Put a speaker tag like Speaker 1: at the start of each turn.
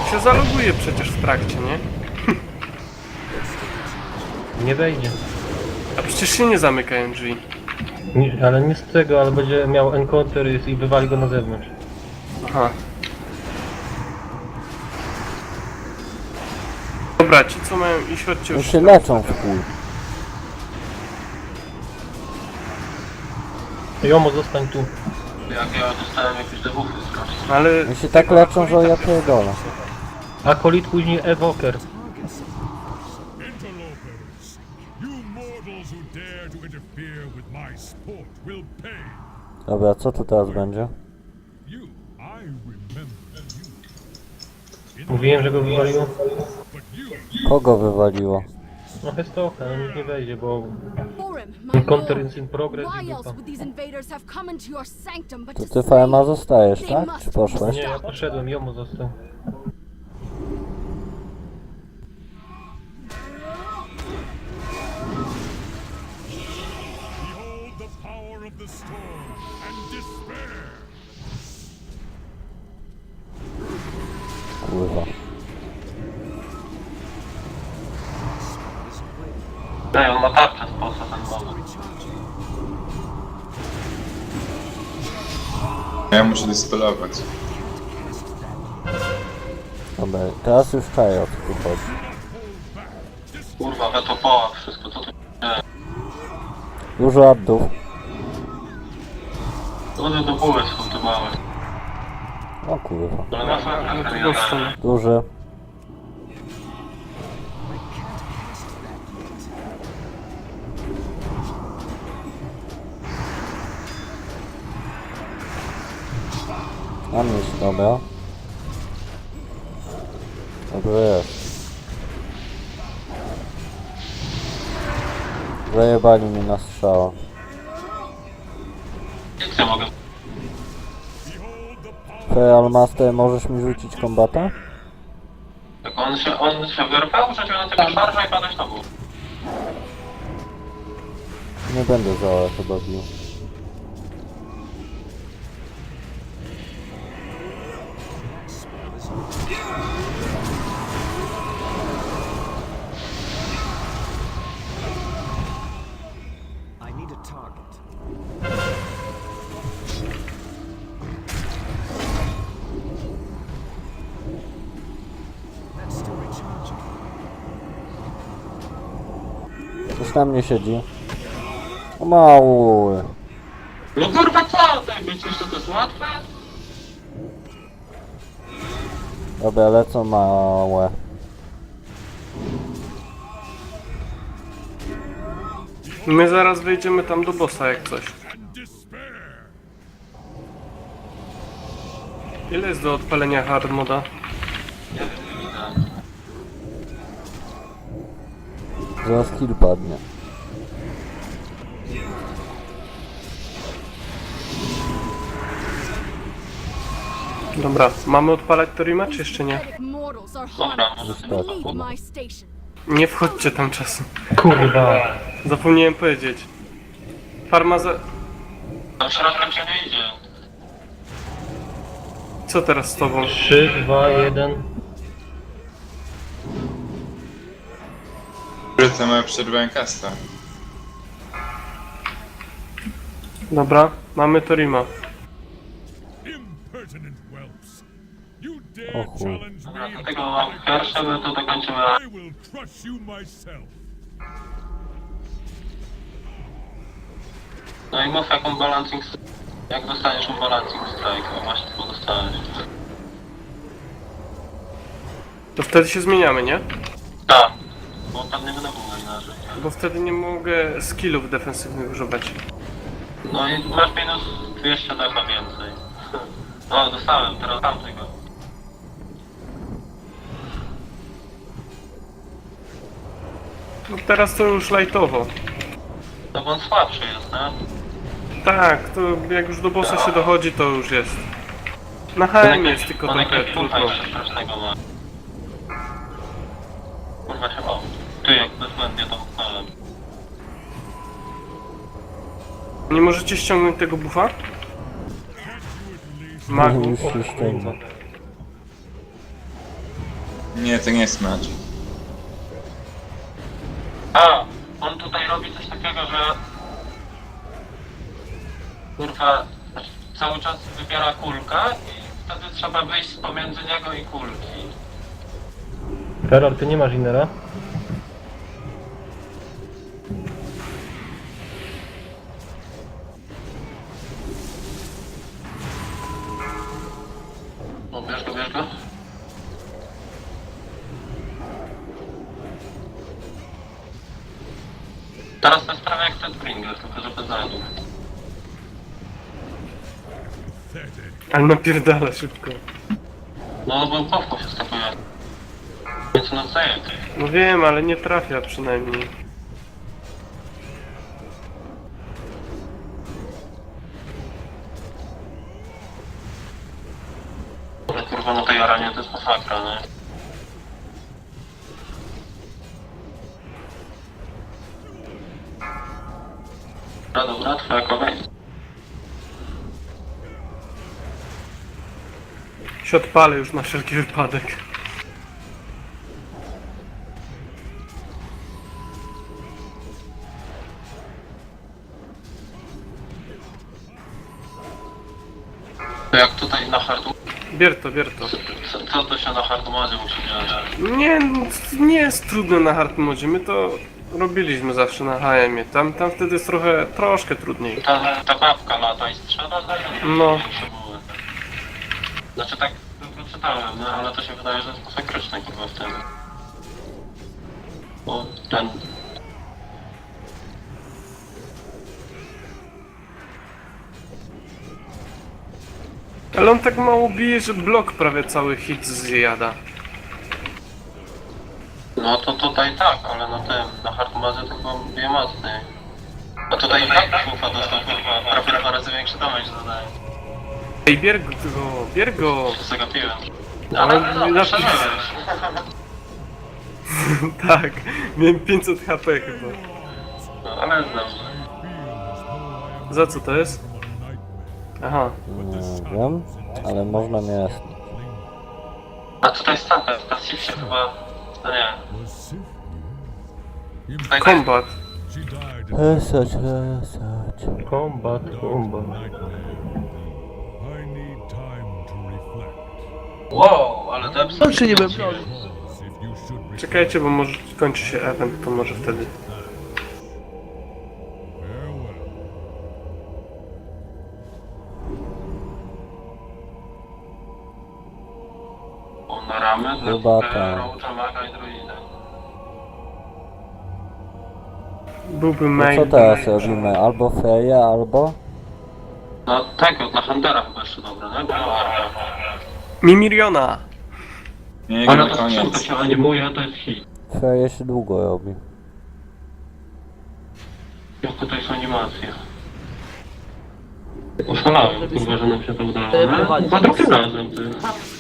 Speaker 1: się zaloguje przecież w trakcie, nie?
Speaker 2: Nie wejdzie.
Speaker 1: A przecież się nie zamykają drzwi.
Speaker 2: Nie, ale nie z tego, ale będzie miał encounter i wywali go na zewnątrz.
Speaker 1: Aha. Dobra, ci co mają iść, chodźcie
Speaker 3: Oni
Speaker 1: już.
Speaker 3: się leczą w chuj.
Speaker 2: Jomo, zostań tu.
Speaker 4: Jak ja dostałem jakieś debuffy strasznie.
Speaker 1: Ale...
Speaker 3: Oni się tak leczą, że ja pierdolę.
Speaker 2: Akolit, później evoker.
Speaker 5: Interlopers, you mortals who dare to interfere with my sport will pay.
Speaker 3: Dobra, co tu teraz będzie?
Speaker 5: You, I remember you.
Speaker 2: Mówiłem, że go wywaliło.
Speaker 5: But you,
Speaker 3: Kogo wywaliło?
Speaker 2: No Hestoka, no nikt nie wejdzie, bo
Speaker 6: Forum, my
Speaker 2: counter
Speaker 6: lord,
Speaker 2: is in progress
Speaker 6: why
Speaker 2: i
Speaker 6: else
Speaker 2: dupa.
Speaker 6: would these invaders have come into your sanctum but
Speaker 3: To
Speaker 6: to
Speaker 3: ty
Speaker 6: slay?
Speaker 3: FMA zostajesz, tak? Czy poszłeś?
Speaker 2: Nie, ja poszedłem, Jomo został.
Speaker 5: behold the power of the storm and despair.
Speaker 3: Kurwa.
Speaker 4: Ej, on ma tarczę z posa ten mowy.
Speaker 7: Ja muszę dyspelować.
Speaker 3: Dobra, teraz już czaję o co tu chodzi.
Speaker 4: Kurwa, wetopoła, wszystko co tu...
Speaker 3: Dużo addów.
Speaker 4: One do buły są te małe.
Speaker 3: O kurwa.
Speaker 4: Ale na
Speaker 1: Na
Speaker 4: pewno
Speaker 1: drugą stronę.
Speaker 3: Duży. Mam iść, dobra. Dobrze jest. Zajebali mnie na strzała.
Speaker 4: Nic nie mogę.
Speaker 3: Feral Master, możesz mi rzucić kombata?
Speaker 4: Tak on się wyrwał, rzucił na tego szarża i padać na górę.
Speaker 3: Nie będę za chyba bił.
Speaker 8: I need a target. That's still recharging.
Speaker 3: Coś na mnie siedzi. O mały.
Speaker 4: No kurwa co? Tak myślisz, że to jest łatwe?
Speaker 3: Dobra, lecą małe.
Speaker 1: My zaraz wejdziemy tam do bossa jak coś.
Speaker 5: And despair.
Speaker 1: Ile jest do odpalenia hard moda?
Speaker 4: Nie wiem, nie widzę.
Speaker 3: Zaraz kill padnie.
Speaker 1: Dobra, mamy odpalać Torima czy jeszcze nie?
Speaker 6: Pathetic mortals are
Speaker 4: Dobra,
Speaker 6: harmless.
Speaker 4: może
Speaker 3: Tak.
Speaker 6: Leave my station.
Speaker 1: Nie wchodźcie tam czasem.
Speaker 2: Kurwa.
Speaker 1: Zapomniałem powiedzieć. Farma za...
Speaker 4: tam środkiem się nie idzie.
Speaker 1: Co teraz z tobą?
Speaker 2: 3, 2, 1.
Speaker 7: Wrócę, mamy przerwę kasta.
Speaker 1: Dobra, mamy Torima.
Speaker 5: Impertinent whelps. You
Speaker 3: O
Speaker 5: dare
Speaker 3: chuj.
Speaker 5: challenge
Speaker 4: Dobra,
Speaker 5: me?
Speaker 4: dlatego mam pierwsze, my to dokończymy.
Speaker 5: I will crush you myself.
Speaker 4: No i mów jaką balancing... Jak dostaniesz mu balancing strike? A właśnie to dostałeś.
Speaker 1: To wtedy się zmieniamy, nie?
Speaker 4: Tak. Bo tam nie będę było inaczej.
Speaker 1: Bo wtedy nie mogę skillów defensywnych używać.
Speaker 4: No i masz minus 200 defa więcej. O, dostałem, teraz dam tego.
Speaker 1: No teraz to już lightowo.
Speaker 4: No bo on słabszy jest, nie?
Speaker 1: Tak, to jak już do bossa się dochodzi, to już jest. Na HM jest tylko
Speaker 4: on
Speaker 1: trochę
Speaker 4: jakiegoś
Speaker 1: trudno.
Speaker 4: jeszcze strasznego ma. Kurwa się, o. Ty jak bezwzględnie to uchwałem.
Speaker 1: Nie możecie ściągnąć tego buffa? Magu.
Speaker 3: Już się ściągnę.
Speaker 7: Nie, to nie jest mecz.
Speaker 4: A, on tutaj robi coś takiego, że... Kurwa, cały czas wybiera kulkę i wtedy trzeba wyjść pomiędzy niego i kulki.
Speaker 2: Terror, ty nie masz inera?
Speaker 4: No, bierz go, bierz go. Teraz to jest prawie jak ten Pringle, tylko że bez zadów.
Speaker 1: Ale napierdala szybko.
Speaker 4: No, bo kowką się skapuje. Więc no zajęty.
Speaker 1: No wiem, ale nie trafia przynajmniej.
Speaker 4: Ale kurwa na tej arenie to jest masakra, nie? Dobra, dobra, twoja kolej.
Speaker 1: Się odpalę już na wszelki wypadek.
Speaker 4: To jak tutaj na hardu...
Speaker 1: Bier to.
Speaker 4: Co to się na hardumadzie musi dziać?
Speaker 1: Nie, no, nie jest trudne na hard modzie. My to robiliśmy zawsze na HM-ie. Tam wtedy jest troszkę trudniej.
Speaker 4: Ta babka lata i strzela,
Speaker 1: No.
Speaker 4: Znaczy tak tylko czytałem, no, ale to się wydaje, że jest masakryczne chyba w tym. Bo ten...
Speaker 1: Ale on tak mało bije, że blok prawie cały hit zjada.
Speaker 4: No to tutaj tak, ale na tym, na hardumadzie to chyba bije mocniej. A tutaj tak kufa dostał kurwa, prawie 2 razy większy damage zadaje.
Speaker 1: Ej, bier go!
Speaker 4: To zagapiłem.
Speaker 1: Ale
Speaker 4: Ale no,
Speaker 1: na-
Speaker 4: przeżyjesz.
Speaker 1: Tak, miałem 500 HP chyba.
Speaker 4: No, ale jest dobrze.
Speaker 1: Za co to jest? Aha.
Speaker 3: Nie wiem, ale można mnie...
Speaker 4: A tutaj stanka, passive się chyba... No nie.
Speaker 5: Was Sifnir.
Speaker 4: Tutaj
Speaker 1: Kombat.
Speaker 5: She died
Speaker 3: Research.
Speaker 2: Kombat.
Speaker 5: nightmare. I need time to reflect.
Speaker 4: Wow, ale to absolutnie...
Speaker 9: Czy nie wiem,
Speaker 5: If you should reflect,
Speaker 1: Czekajcie, bo może kończy się event, to może wtedy.
Speaker 5: farewell.
Speaker 4: Na ramy dla
Speaker 3: Chyba tak.
Speaker 4: Roacha, Maga i Druida.
Speaker 1: Byłby
Speaker 3: No
Speaker 1: main.
Speaker 3: co teraz robimy? Albo Freya, albo...
Speaker 4: No tego, dla Huntera chyba jeszcze dobre, nie? Bo arka.
Speaker 1: Mimiriona!
Speaker 7: Nie,
Speaker 4: Ale
Speaker 7: na
Speaker 4: to skrzynka
Speaker 7: koniec.
Speaker 4: się animuje, to jest hit.
Speaker 3: Freya się długo robi.
Speaker 4: Jak tutaj są animacje. Oszalałem, kurwa, że nam się to udało, nie? Za drugim razem, ty.